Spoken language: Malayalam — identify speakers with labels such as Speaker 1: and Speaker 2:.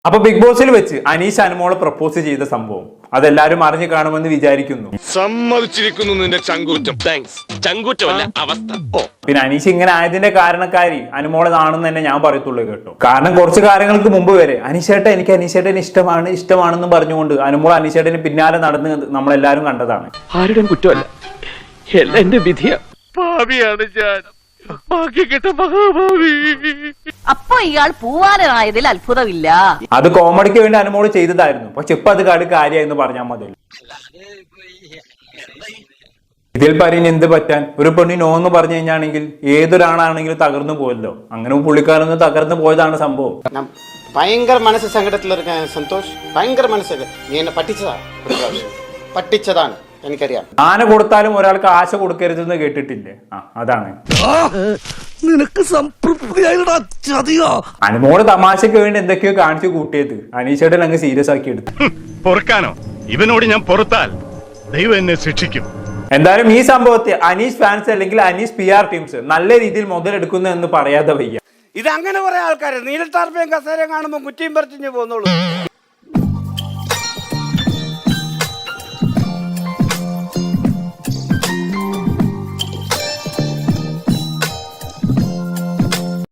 Speaker 1: അപ്പൊ ബിഗ് ബോസിൽ വെച്ച് അനീഷ് അനുമോളെ പ്രപ്പോസ് ചെയ്ത സംഭവം അതെല്ലാരും അറിഞ്ഞു കാണുമെന്ന് വിചാരിക്കുന്നു.
Speaker 2: സമ്മതിച്ചിരിക്കുന്നു നിന്റെ ചങ്കൂറ്റം. താങ്ക്സ്. ചങ്കൂറ്റമല്ല അവസ്ഥ.
Speaker 1: പിന്നെ അനീഷ് ഇങ്ങനെ ആയതിന്റെ കാരണക്കാരി അനുമോളാണെന്ന് തന്നെ ഞാൻ പറയത്തുള്ളൂ കേട്ടോ. കാരണം കുറച്ച് കാര്യങ്ങൾക്ക് മുമ്പ് വരെ എനിക്ക് അനീഷേട്ടൻ ഇഷ്ടമാണെന്ന് പറഞ്ഞുകൊണ്ട് അനുമോൾ അനീഷേട്ടന് പിന്നാലെ നടന്ന് നമ്മളെല്ലാരും കണ്ടതാണ്.
Speaker 3: ആരുടെയും കുറ്റമല്ല, എല്ലാം എന്റെ വിധിയാ. ഭാവിയാണ് ഞാൻ.
Speaker 4: അപ്പൊ ഇയാൾ പൂവാനായതിൽ അത്ഭുതമില്ല.
Speaker 1: അത് കോമഡിക്ക് വേണ്ടി അനുമോള് ചെയ്തതായിരുന്നു. പക്ഷെ ഇപ്പൊ അത് കാര്യമായെന്ന് പറഞ്ഞാൽ മതി. ഇതിൽ പറഞ്ഞ് എന്ത് പറ്റാൻ, ഒരു പെണ്ണി നോ എന്ന് പറഞ്ഞു കഴിഞ്ഞാണെങ്കിൽ ഏതൊരാളാണെങ്കിലും തകർന്നു പോയല്ലോ. അങ്ങനെ പുള്ളിക്കാരൊന്ന് തകർന്നു പോയതാണ് സംഭവം.
Speaker 5: ഭയങ്കര മനസ്സ് സങ്കടത്തിൽ സന്തോഷ്, ഭയങ്കര മനസ്സിൽ നീ എന്നെ പറ്റിച്ചതാണ് എനിക്കറിയാം.
Speaker 1: ആന കൊടുത്താലും ഒരാൾക്ക് ആശ കൊടുക്കരുതെന്ന് കേട്ടിട്ടില്ലേ? അതാണ്
Speaker 6: നിനക്ക് സംതൃപ്തിയായിട്ടാ.
Speaker 1: അനുമോള് തമാശക്ക് വേണ്ടി എന്തൊക്കെയോ കാണിച്ചു കൂട്ടിയത് അനീഷേട്ടൻ അങ്ങ് സീരിയസ് ആക്കി എടുത്തു.
Speaker 2: പൊറുക്കാനോ? ഇവനോട് ഞാൻ പൊറുത്താൽ ദൈവം എന്നെ ശിക്ഷിക്കും.
Speaker 1: എന്തായാലും ഈ സംഭവത്തെ അനീഷ് ഫാൻസ് അല്ലെങ്കിൽ അനീഷ് PR ടീംസ് നല്ല രീതിയിൽ മുതലെടുക്കുന്നു എന്ന് പറയാതെ വയ്യ.
Speaker 5: ഇത് അങ്ങനെ കുറെ ആൾക്കാർ നീലത്താർപ്പയും കസേരയും കാണുമ്പോൾ കുറ്റിയും പറിച്ചു പോകുന്നുള്ളൂ.